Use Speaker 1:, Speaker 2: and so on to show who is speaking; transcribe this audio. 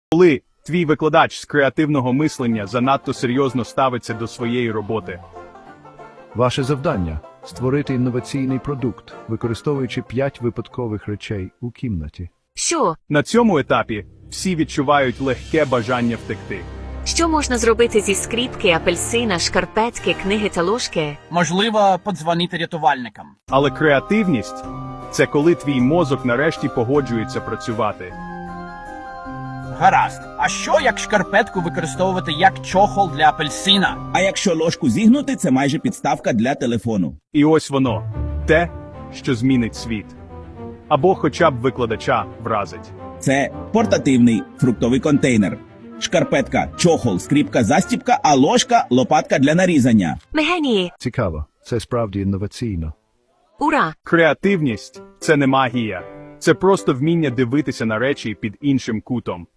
Speaker 1: Коли твій викладач з креативного мислення занадто серйозно ставиться до своєї роботи.
Speaker 2: Ваше завдання – створити інноваційний продукт, використовуючи 5 випадкових речей у кімнаті.
Speaker 3: Що?
Speaker 1: На цьому етапі всі відчувають легке бажання втекти.
Speaker 3: Що можна зробити зі скріпки, апельсина, шкарпетки, книги та ложки?
Speaker 4: Можливо, подзвонити рятувальникам.
Speaker 1: Але креативність – це коли твій мозок нарешті погоджується працювати.
Speaker 4: Гаразд. А що, як шкарпетку використовувати як чохол для апельсина?
Speaker 5: А якщо ложку зігнути, це майже підставка для телефону.
Speaker 1: І ось воно – те, що змінить світ. Або хоча б викладача вразить.
Speaker 5: Це портативний фруктовий контейнер. Шкарпетка, чохол, скріпка, застіпка, а ложка – лопатка для нарізання.
Speaker 3: Ми генії!
Speaker 2: Цікаво, це справді інноваційно.
Speaker 3: Ура!
Speaker 1: Креативність – це не магія. Це просто вміння дивитися на речі під іншим кутом.